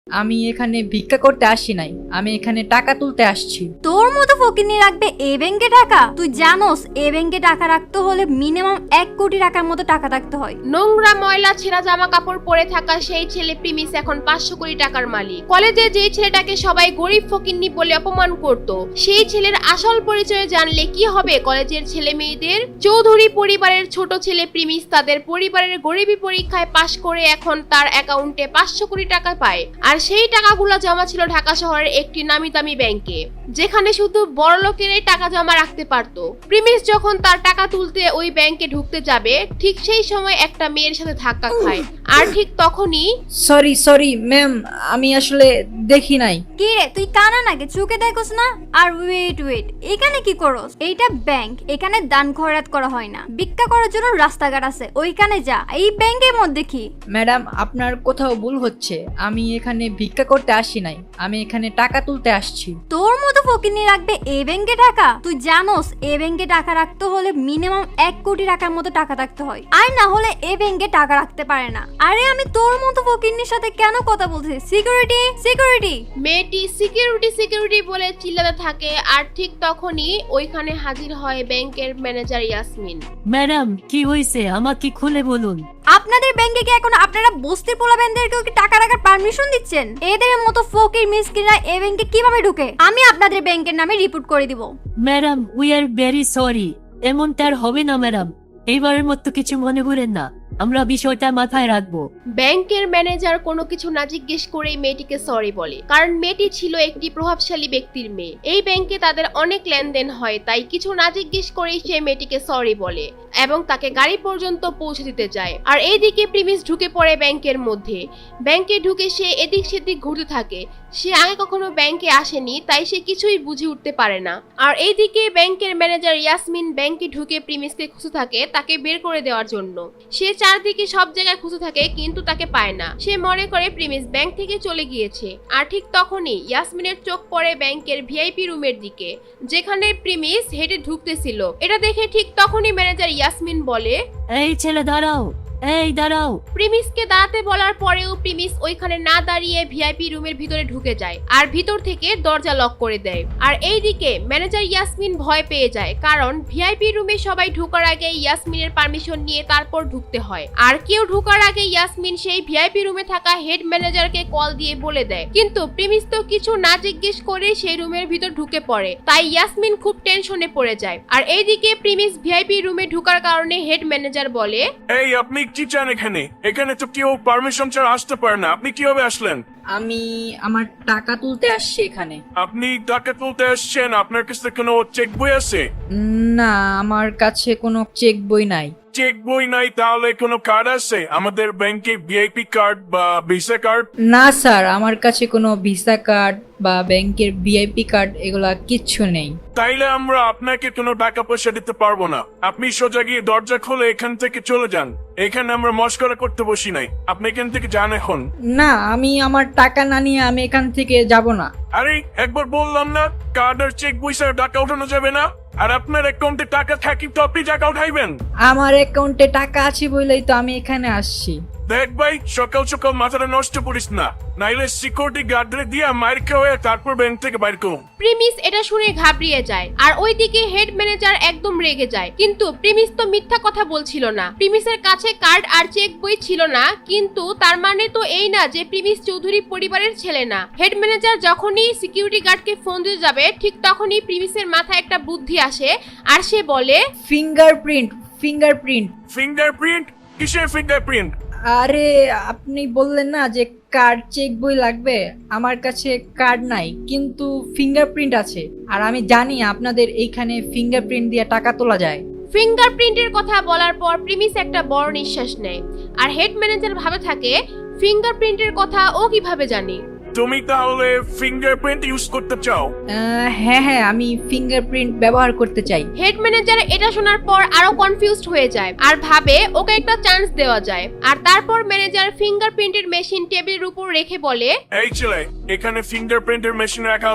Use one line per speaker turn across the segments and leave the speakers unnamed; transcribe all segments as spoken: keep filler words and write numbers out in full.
আমি এখানে ভিক্ষা করতে আসি নাই, আমি এখানে টাকা তুলতে আসছি।
তোর মতো ফকিনি রাখবে এ ব্যাংকে টাকা? তুই জানোস এ ব্যাংকে টাকা রাখতে হলে মিনিমাম এক কোটি টাকার মতো টাকা রাখতে হয়।
নোংরা ময়লা ছেঁড়া জামা কাপড় পরে থাকা সেই ছেলে প্রিমিস এখন পাঁচশো কোটি টাকার মালিক। কলেজে যে ছেলেটাকে সবাই গরিব ফকিন্নি বলে অপমান করত, সেই ছেলের আসল পরিচয় জানলে কি হবে কলেজের ছেলে মেয়েদের? চৌধুরী পরিবারের ছোট ছেলে প্রিমিস তাদের পরিবারের গরিবী পরীক্ষায় পাশ করে এখন তার অ্যাকাউন্টে পাঁচশো কোটি টাকা পায়। আর সেই টাকাগুলো জমা ছিল ঢাকা শহরের একটি নামি দামি ব্যাংকে, যেখানে শুধু বড় লোকেরাই টাকা জমা রাখতে পারত। প্রিমিস যখন তার টাকা তুলতে ওই ব্যাংকে ঢুকতে যাবে, ঠিক সেই সময় একটা মেয়ের সাথে ধাক্কা খায়। আর ঠিক তখনই
সরি সরি ম্যাম, আমি আসলে দেখি নাই।
কি রে, তুই কানা নাকি? চোখে দেখোস না? আর ওয়েট ওয়েট, এখানে কি করস? এইটা ব্যাংক, এখানে দান খয়রাত করা হয় না। ভিক্ষা করার জন্য রাস্তাঘাট আছে, ওইখানে যা। এই ব্যাংকের মধ্যে কি?
ম্যাডাম, আপনার কোথাও ভুল হচ্ছে। আমি এখানে ভিক্ষা করতে আসি নাই, আমি এখানে টাকা তুলতে আসছি।
তোর মতো ফকিনি রাখবে এ ব্যাংকে টাকা? তুই জানোস এ ব্যাংকে টাকা রাখতে হলে মিনিমাম এক কোটি টাকার মতো টাকা রাখতে হয়, আর না হলে এ ব্যাংকে টাকা রাখতে পারে না। আরে আমি তোর মতো ফকিনির সাথে কেন কথা বলছি? Security security.
মেয়েটি সিকিউরিটি সিকিউরিটি বলে চিল্লাতে থাকে। আর ঠিক তখনই ওইখানে হাজির হয় ব্যাংকের ম্যানেজার ইয়াসমিন।
ম্যাডাম, কি হয়েছে আমাকে খুলে বলুন।
আপনাদের ব্যাংকে কি এখন আপনারা বস্তির পোলাবেনদেরকেও কি টাকা রাখার পারমিশন দিচ্ছেন? এদের মতো ফকির মিসকিনরা এই ব্যাংকে কিভাবে ঢুকে? আমি আপনাদের ব্যাংকের নামে রিপোর্ট করে দিব।
Madam, we are very sorry. এমনটা আর হবে না ম্যাডাম, এইবারের মতো কিছু মনে করেন না, আমরা বিষয়টা মাথায় রাখবো।
ব্যাংকের ম্যানেজার কোনো কিছু না জিজ্ঞেস করেই মেয়েটিকে সরি বলে, কারণ মেয়েটি ছিল একটি প্রভাবশালী ব্যক্তির মেয়ে। এই ব্যাংকে তাদের অনেক লেনদেন হয়, তাই কিছু না জিজ্ঞেস করেই সে মেয়েটিকে সরি বলে এবং তাকে গাড়ি পর্যন্ত পৌঁছে দিতে যায়। আর এইদিকে প্রিমিস ঢুকে পড়ে ব্যাংকের মধ্যে। ব্যাংকে ঢুকে সে এদিক সেদিক ঘুরতে থাকে। সে আগে কখনো ব্যাংকে আসেনি, তাই সে কিছুই বুঝে উঠতে পারে না। আর এইদিকে ব্যাংকের ম্যানেজার ইয়াসমিন ব্যাংকে ঢুকে প্রিমিসকে খুঁজে থাকে তাকে বের করে দেওয়ার জন্য। সে চারদিকে সব জায়গায় খুঁজে থাকে কিন্তু তাকে পায় না। সে মনে করে প্রিমিস ব্যাংক থেকে চলে গিয়েছে। আর ঠিক তখনই ইয়াসমিনের চোখ পড়ে ব্যাংকের ভিআইপি রুমের দিকে, যেখানে প্রিমিস হেঁটে ঢুকতেছিল। এটা দেখে ঠিক তখনই ম্যানেজার ইয়াসমিন বলে,
এই ছেলে দাঁড়াও, এই দাঁড়াও।
প্রিমিসকে দাঁড়াতে বলার পরেও প্রিমিস ওইখানে না দাঁড়িয়ে ভিআইপি রুমের ভিতরে ঢুকে যায় আর ভিতর থেকে দরজা লক করে দেয়। আর এইদিকে ম্যানেজার ইয়াসমিন ভয় পেয়ে যায়, কারণ ভিআইপি রুমে সবাই ঢোকার আগে ইয়াসমিনের পারমিশন নিয়ে তারপর ঢুকতে হয়। আর কেউ ঢোকার আগে ইয়াসমিন সেই ভিআইপি রুমে থাকা হেড ম্যানেজারকে কল দিয়ে বলে দেয়, কিন্তু প্রিমিস তো কিছু না জিজ্ঞেস করে সেই রুমের ভিতর ঢুকে পড়ে। তাই ইয়াসমিন খুব টেনশনে পড়ে যায়। আর এইদিকে প্রিমিস ভিআইপি রুমে ঢোকার কারণে হেড ম্যানেজার বলে,
এই আপনি কি চান এখানে? এখানে তো কেউ পারমিশন ছাড়া আসতে পারে না, আপনি কিভাবে আসলেন?
আমি আমার টাকা তুলতে আসছি এখানে।
আপনি টাকা তুলতে আসছেন, আপনার কাছে কোনো চেক বই আছে?
না, আমার কাছে কোনো চেক বই নাই।
চেক বই নাই, তাহলে কোনো কার্ড আছে আমাদের ব্যাংকে, ভিআইপি কার্ড বা ভিসা কার্ড?
না স্যার, আমার কাছে কোনো ভিসা কার্ড বা ব্যাংকের ভিআইপি কার্ড এগুলা কিচ্ছু নেই।
তাইলে আমরা আপনাকে কোনো টাকা পয়সা দিতে পারবো না। আপনি সোজা গিয়ে দরজা খুলে এখান থেকে চলে যান। এখানে আমরা মস্করা করতে বসি নাই, আপনি এখান থেকে যান এখন।
না, আমি আমার টাকা না নিয়ে আমি এখান থেকে যাব না।
আরে একবার বললাম না, কার্ড আর চেক বই ছাড়া টাকা উঠানো যাবে না। আর আপনার অ্যাকাউন্টে টাকা থাকি তো আপনি টাকা উঠাইবেন।
আমার অ্যাকাউন্টে টাকা আছে বলেই তো আমি এখানে আসছি।
দেখ ভাই, সকাল সকাল মাথাটা নষ্ট করিস না, নাইলে সিকিউরিটি গার্ডরে দিয়ে মার খাওয়া তারপর ব্যাংক থেকে বাইর করো।
প্রিমিস এটা শুনে ঘাবড়িয়ে যায়। আর ওইদিকে হেড ম্যানেজার একদম রেগে যায়, কিন্তু প্রিমিস তো মিথ্যা কথা বলছিল না। প্রিমিসের কাছে কার্ড আর চেক বই ছিল না, কিন্তু তার মানে তো এই না যে প্রিমিস চৌধুরী পরিবারের ছেলে না। হেড ম্যানেজার যখনই সিকিউরিটি গার্ডকে ফোন দিতে যাবে, ঠিক তখনই প্রিমিসের মাথায় একটা বুদ্ধি আসে আর সে বলে,
ফিঙ্গারপ্রিন্ট ফিঙ্গারপ্রিন্ট
ফিঙ্গারপ্রিন্ট? কিসের ফিঙ্গারপ্রিন্ট?
আরে আপনি বললেন না যে কার্ড চেক বই লাগবে, আমার কাছে কার্ড নাই কিন্তু ফিঙ্গারপ্রিন্ট আছে। আর আমি জানি আপনাদের এইখানে ফিঙ্গারপ্রিন্ট দিয়ে টাকা তোলা যায়।
ফিঙ্গারপ্রিন্টের কথা বলার পর প্রিমিস একটা বড় নিঃশ্বাস নেয়। আর হেড ম্যানেজার ভাবে থাকে, ফিঙ্গারপ্রিন্টের কথা ও কিভাবে জানে?
তুমি তাহলে ফিঙ্গারপ্রিন্ট ইউজ করতে চাও?
আহ, হ্যাঁ হ্যাঁ, আমি ফিঙ্গারপ্রিন্ট ব্যবহার করতে চাই।
হেড ম্যানেজার এটা শোনার পর আরো কনফিউজড হয়ে যায় আর ভাবে ওকে একটা চান্স দেওয়া যায়। আর তারপর ম্যানেজার ফিঙ্গারপ্রিন্টের মেশিন টেবিলের উপর রেখে বলে,
এই ছেলে, এখানে ফিঙ্গারপ্রিন্টের মেশিন রাখা আছে,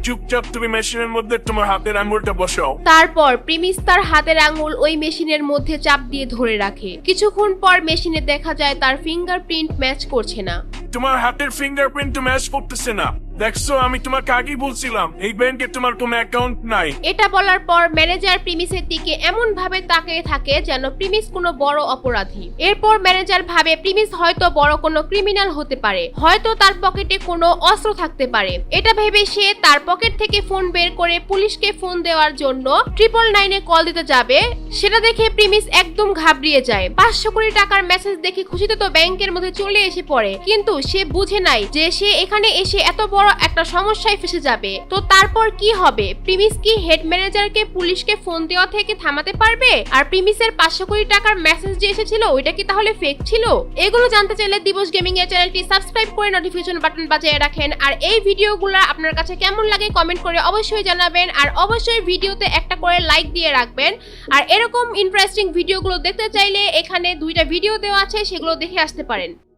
চুপচাপ তুমি মেশিনের মধ্যে তোমার হাতের আঙুলটা বসাও।
তারপর প্রিমিস তার হাতের আঙুল ওই মেশিনের মধ্যে চাপ দিয়ে ধরে রাখে। কিছুক্ষণ পর মেশিনে দেখা যায় তার ফিঙ্গারপ্রিন্ট ম্যাচ করছে না।
তোমার হাতের ফিঙ্গারপ্রিন্ট তো ম্যাচ করতেছে না। দেখছো, আমি তোমাকে আগেই বলছিলাম এই ব্যাংকে তোমার কোনো অ্যাকাউন্ট নাই।
এটা বলার পর ম্যানেজার প্রিমিসের দিকে এমন ভাবে তাকিয়ে থাকে যেন প্রিমিস কোনো বড় অপরাধী। এরপর ম্যানেজার ভাবে প্রিমিস হয়তো বড় কোনো ক্রিমিনাল হতে পারে, হয়তো তার পকেটে কোনো অস্ত্র থাকতে পারে। এটা ভেবে সে তার পকেট থেকে ফোন বের করে পুলিশকে ফোন দেওয়ার জন্য ট্রিপল নাইনে কল দিতে যাবে। সেটা দেখে প্রিমিস একদম ঘাবড়িয়ে যায়। পাঁচশো কোটি টাকার মেসেজ দেখে খুশিতে তো ব্যাংকের মধ্যে চলে এসে পড়ে, কিন্তু সে বুঝে নাই যে সে এখানে এসে এত বড় একটা সমস্যায় ফেসে যাবে। তো তারপর কি হবে? প্রিমিস কি হেড ম্যানেজারকে পুলিশকে ফোন দেওয়া থেকে থামাতে পারবে? আর প্রিমিসের পাঁচশো কোটি টাকার মেসেজ যে এসেছিল ওইটা কি তাহলে ফেক ছিল? এগুলো জানতে চাইলে দিবস গেমিং এর চ্যানেলটি সাবস্ক্রাইব করে নোটিফিকেশন বাটন বাজিয়ে রাখেন। আর এই ভিডিওগুলো আপনার কাছে কেমন লাগে কমেন্ট করে অবশ্যই জানাবেন। আর অবশ্যই ভিডিওতে একটা করে লাইক দিয়ে রাখবেন। আর এরকম ইন্টারেস্টিং ভিডিওগুলো দেখতে চাইলে এখানে দুইটা ভিডিও দেওয়া আছে, সেগুলো দেখে আসতে পারেন।